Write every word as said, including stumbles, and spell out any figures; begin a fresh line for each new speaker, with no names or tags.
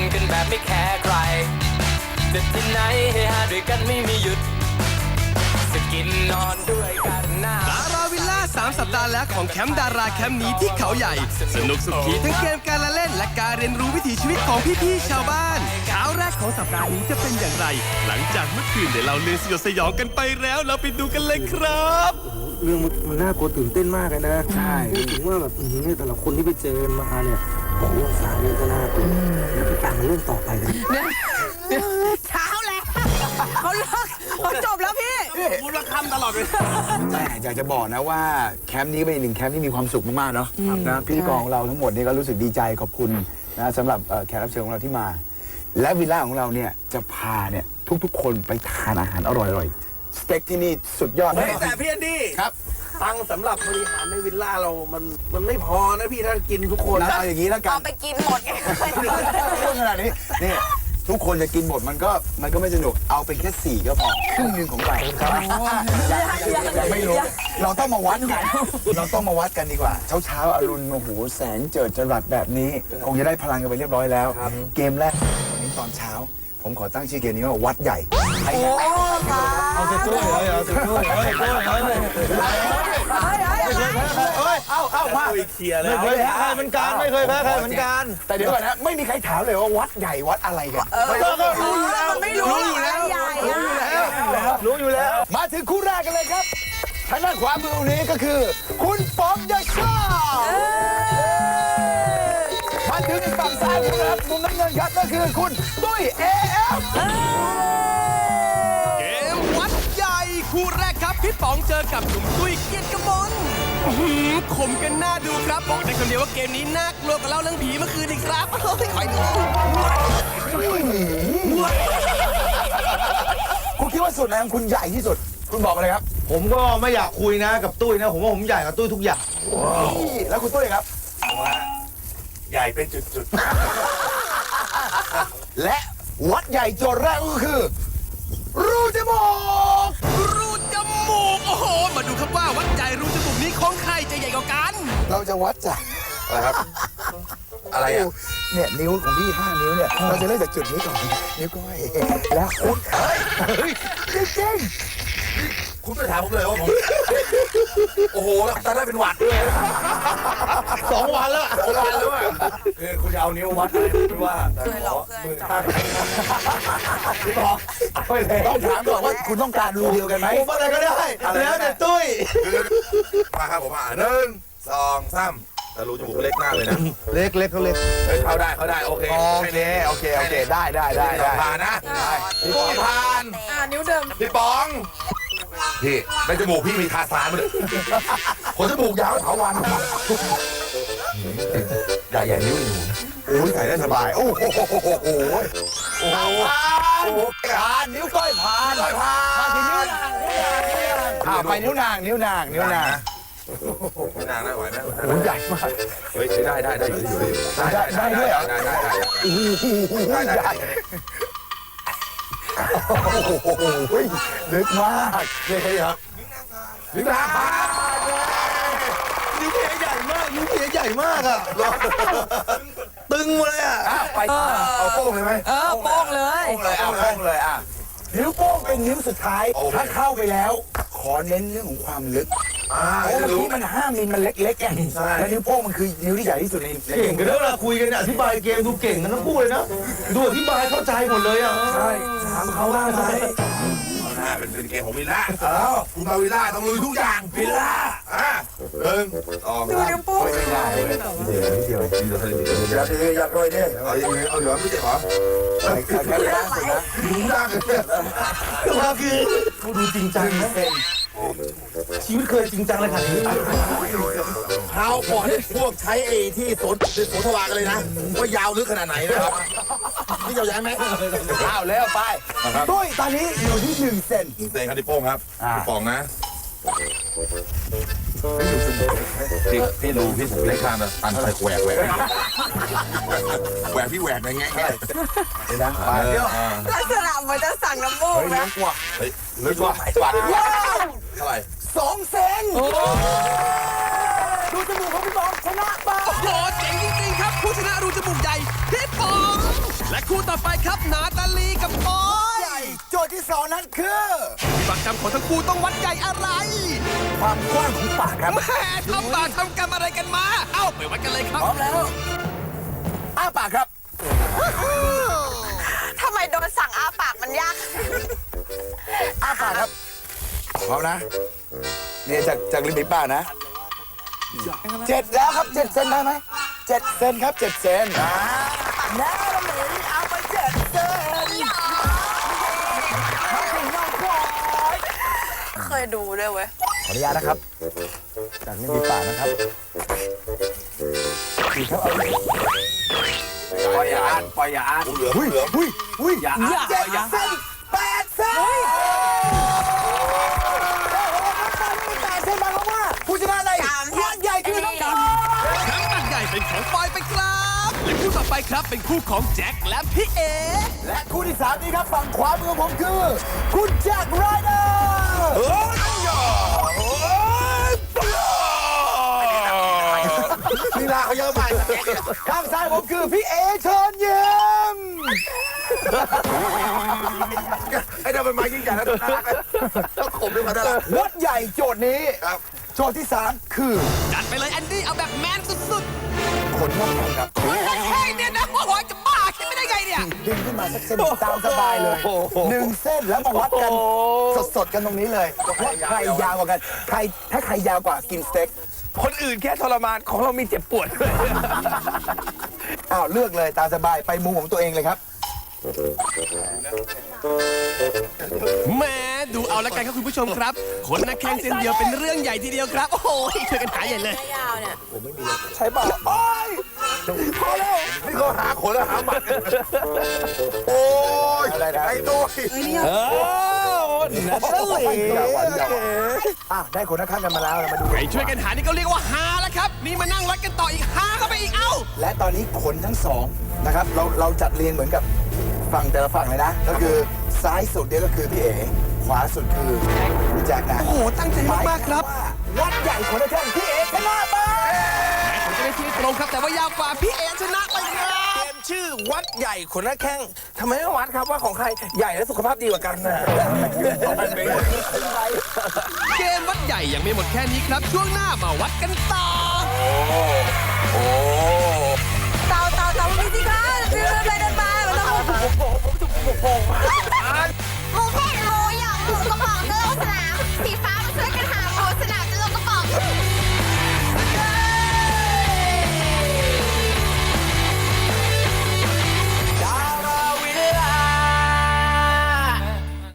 กันแบบไม่แคร์ใครจะที่ไหนให้หาด้วยกันไม่มีหยุดจะกินนอนด้วยกันหน้า
ดาราวิลล่าสามสัปดาห์แล้วของแคมป์ดาราแคมป์นี้ที่เขาใหญ่สนุกสุขีทั้งเกมการละเล่นและการเรียนรู้วิถีชีวิตของพี่ๆชาวบ้านเช้าแรกของสัปดาห์นี้จะเป็นอย่างไรหลังจากเมื่อคืนเดี๋ยวเราเรื่องสยดสยองกันไปแล้วเราไปดูกันเลยครับ
เรื่องมันน่ากลัวตื่นเต้นมากเลยนะใช่ถึงว่าแบบนี่แต่ละคนที่ไปเจอมาเนี่ยผมเรื่องสารนี่ก็น่ากลัวแล้วพี่การมาเรื่องต่อไปเลย
เช้าแล้วเขาเลิกเขาจบแล้วพี่
พูดละคำตลอดเลยแม่อยากจะบอกนะว่าแคมป์นี้เป็นอีกหนึ่งแคมป์ที่มีความสุขมากๆเนาะนะพิธีกรของเราทั้งหมดนี่ก็รู้สึกดีใจขอบคุณนะสำหรับแขกรับเชิญของเราที่มาและวิลล่าของเราเนี่ยจะพาเนี่ยทุกๆคนไปทานอาหารอร่อยๆสเต็กที่นี่สุดยอด
แต่พี่แอนดี้
ครับ
ตังสำหรับบริหารในวิลล่าเรามันมันไม่พอนะพี่ถ้ากินทุกคน
เอาอย่างนี้แล้วกัน
เอาไปกินหมดไง
เรื่องขนาดนี้นี่ทุกคนจะกินหมดมันก็มันก็ไม่สนุกเอาเป็นแค่สี่ก็พอครึ่งหนึ่งของเรายังไม่รู้เราต้องมาวัดกันเราต้องมาวัดกันดีกว่าเช้าเช้าอรุณโอ้โหแสงเจิดจรัสแบบนี้คงจะได้พลังกันไปเรียบร้อยแล้วเกมแรกนี้ตอนเช้าผมขอตั้งชื่อเกมนี้ว่าวัดใหญ่
โอ้ค่ะ
เอาจะช่วยเลยเอาจะช่วยเลยช่วยเลยเฮ้ยเอาเอามาเคลียร์เลยไม่เคยแพ้ใครเหมือนกันไม่เคยแพ้ใครเหมือนกัน
แต่เดี๋ยวก่อนนะไม่มีใครถามเลยว่าวัดใหญ่วัดอะไรกัน
ก็รู้อยู่แล้ว
ไม่รู้อยู่แล้ว
รู้อยู่แล้วรู้อยู่แล้ว
มาถึงคู่แรกกันเลยครับทางด้านขวามือนี้ก็คือคุณป๋องยาชามาถึงฝั่งซ้ายมือครับมุมน้ำเงินครับก็คือคุณตุ้ย เอ เอฟ
เกมวัดใหญ่คู่แรกครับพี่ป๋องเจอกับหนุ่มตุ้ยเกียรติกมลขมกันหน้าดูครับบอกได้คำเดียวว่าเกมนี้น่ากลัวกว่าเล่าเรื่องผีเมื่อคืนอีกครับโอ้ยคอยดู
คุณคิดว่าส่วนไหนของคุณใหญ่ที่สุดคุณบอกมาเลยครับ
ผมก็ไม่อยากคุยนะกับตุ้ยนะผมว่าผมใหญ่กับตุ้ยทุกอย่าง
แล้วคุณตุ้ยครับ
ใหญ่เป็นจุด
ๆและวัดใหญ่โจทย์แรกก็คือรูจมูก
รูจมูกโอ้โหมาดูครับว่าวัดใหญ่รูจมูกนี้ของใครจะใหญ่กว่ากัน
เราจะวัดจาก
อะไรครับอะไรอ่ะ
เนี่ยนิ้วของพี่ห้านิ้วเนี่ยเราจะเริ่มจากจุดนี้ก่อนนิ้วก้อยแล้วคุณเฮ้ยเฮ้ยจริงๆ
คุณไปถามผมเลยว่าผมโอ้โหตอนแรกเป็นหวัดด้วยสองวันแล้วสองวันแล้วคือคุณจะเอานิ้ววัดอะไรไม่ว่าแต่ขอมือข้างพี่บอก
ไปเลยต้องถามก่อนว่าคุณต้องการรูเดียวกันไหม
ผมอะไรก็ได้แล้วแต่ตุ้ยมาครับผมอ่ะหนึ่งสองสามแต่รูจมูกเล็กมากเลยนะเล็กเล็กเขาเล็กเข้าได้เข้าได้โอเค
โอเคโอเคโอเคได้ได้ได้
ผ่านนะตุ้ยผ่าน
นิ้วเดิม
พี่ป๋องพี่ในจมูกพี่มีทาสานมาเลยขนจมูกยาวเถาวันใหญ่ใหญ่นิ้วหนู
โอ้ยใส่ได้สบายโอ้โหโอ้โหโอ้โหผ่านนิ้วก้อยผ่าน
ก้อยผ่าน
ผ่านนิ้วนางอ่าไปนิ้วนางนิ้วนางนิ้วนาง
นิ้วนางได้ไหวไหม
โอ้ใหญ่มาก
เฮ้ยได้ได้ได้อยู่อยู่
ได้ได้ด้วยเหรอ
ได้ได้ได้
โอ้โหใหญ่โอ้โหลึกมาก
เลยครับนิ้วนางผ่านนิ้วเพียใหญ่มากนิ้วเพียใหญ่มากอ่ะตึงเลยอ่ะ
ไปเอาโป้งเลยไหม
เออโป้งเลย
โป้งเลยเอาโป้งเลยอ่ะนิ้วโป้งเป็นนิ้วสุดท้ายถ้าเข้าไปแล้วขอเน้นเรื่องของความลึกเพราะเมื่อกี้มันห้ามิลมันเล็กๆไงแล้วนิ้วโป้งมันคือนิ้วที่ใหญ่ที่สุดใน
เก่งกันแล้วเราคุยกันอธิบายเกมดูเก่งกันทั้งคู่เลยนะดูอธิบายเข้าใจหมดเลยอ่ะ
ใช่ถามเขาว่าไหม
เป็นเป็นเกมของวิลล่าเออคุณมาวิลล่าต้องลุยทุกอย่างวิลล่าอ่ะหนึ่งสอง
ดูนิ้วโป้ง
ไม่ได้เดี๋ยวเดี๋ยวเดี๋ยวเดี๋ยวเดี๋ยวเดี๋ยวอยากด้วยเนี่ย
เอาเอาเดี๋ยวไม่ใช่หรอ
ใช่ใช่ใช่
ดูยากเลยแต่ว่าคือเขาดูจริงจังนะชีวิตเคยจริงจังเลยค่ะเท้าก่อนพวกใช้ไอ้ที่สนโสธวากันเลยนะว่ายาวลึกขนาดไหนนะครับนี่ยาวๆไหม
อ้าวแล้วไปตุ้ยตอนนี้อยู่ที่หนึ่งเซน
หนึ่งเซนครับที่โป้งครับพี่ป๋องนะพี่พี่ดูพี่ผมเล็กข้างนะตันใส่แหวกแหวกแหวกพี่แหวกอะไรเงี้ย
นี่นะ
เดี๋ยวลักษณะเหมือนจะสั่งน้ำมูกนะ
เฮ้ยลึกกว่าปัด
ว้าว
เท่าไหร่
สองเซนดูจมูกของพี่ป๋องชนะไป
โอ้โหเจ๋งจริงๆครับผู้ชนะรูจมูกใหญ่พี่ป๋องและคู่ต่อไปครับนาตาลีกับปอย
ใหญ่โจทย์ที่สองนั้นคือ
ปากกรรมของทั้งคู่ต้องวัดใหญ่อะไร
ความกว้างของปากครับ
แม่ทำปากทำกรรมอะไรกันมา เอ้าไปวัดกันเลยครับ
พร้อมแล้วอ้าปากครับ
ทำไมโดนสั่งอ้าปากมันยาก
อ้าปากครับพร้อมนะนี่จากจากริมฝีปากนะเจ็ดแล้วครับเจ็ดเซนได้ไหมเจ็ดเซนครับเจ็ดเซนอ่าแล้วเราเหลือเอาไปเจ็ดเซน
เคยดูด้วยเว้ย
ขออนุญาตนะครับ จากริมฝีปากนะครับดีครับเอา
ปล่อยอย่าอ่านปล่อยอย่าอ่าน
หุ้ยหุ้ยหุ้ย
อย่าอ่าน
เจ็ด
อย่า
เซ
อ่าน
นแปดเซนโอ้โหน้ำตาลนี่แปดเซนหมายความว่าผู้ชนะในวัดใหญ่คือน้องกัน
แชมป์บัตรใหญ่เป็นของปอยไปครับ และคู่ต่อไปครับเป็นคู่ของแจ็คและพี่เอ
และคู่ที่สามนี้ครับฝั่งขวามือของผมคือ คุณแจ็คไรเดอร์โอ้ยลีลาเขาเยอะไปข้างซ้ายผมคือพี่เอเชิญยิ้ม
ไอ้เดี๋ยวมันมายิ่งใหญ่แล้วน่ารักต้องขมด้วยมันน่ารัก
วัดใหญ่โจทย์นี้โจทย์ที่สามคือ
จัดไปเลยแอนดี้เอาแบบแมนสุด
ขนนกแข็งครับ
ๆเฮ้ยเนี่ยนะโอ้โหจะบ้าคิดไม่ได้ไงเนี่ย
ดึงขึ้นมาสักเส้นตามสบายเลยหนึ่งเส้นแล้วมาวัดกันสดๆกันตรงนี้เลยว่าใครยาวกว่ากันใครถ้าใครยาวกว่ากินสเต็ก
คนอื่นแค่ทรมานของเรามีเจ็บปวดด้วย
อ้าวเลือกเลยตามสบายไปมุมของตัวเองเลยครับ
แหม่ดูเอาละกันครับคุณผู้ชมครับคนนักแข่งเส้นเดียวเป็นเรื่องใหญ่ทีเดียวครับ โอ้โหช่วยกันหาใหญ่เลย
ยาวเนี่ย
ใช่เปล่าโอ้ยพอแล้ว
นี่เขาหาขนแล้วหาหมัดโอ้ย
อะไรนะ
ไอ้ตัว
เออนัทลีอ่ะได้คนนักข้างกันมาแล้วเรามาดู
ไปช่วยกันหานี่ก็เรียกว่าหาแล้วครับ นี่มานั่งวัดกันต่ออีกหาเข้าไปอีกเอ้า
และตอนนี้ขนทั้งสองนะครับเราเราจัดเรียงเหมือนกับฝั่งแต่ละฝั่งเลยนะ ก็คือซ้ายสุดเนี่ยก็คือพี่เอ๋ขวาสุดคือพี่แจ็คนะ
โอ้โหตั้งใจมากๆครับ
วัดใหญ่คนละแท่งพี่เอ๋ชนะไป
ผมจะได้ที่ตรงครับแต่ว่ายาวกว่าพี่เอชนะไปครับ
เกมชื่อวัดใหญ่ขนหน้าแข้งทำไมไม่วัดครับว่าของใครใหญ่และสุขภาพดีกว่ากันนะ
เกมวัดใหญ่ยังไม่หมดแค่นี้ครับ ช่วงหน้ามาวัดกันต่อ
เต่าเต่าเต่ามีสิคะเดินไปเดินมามันต้อง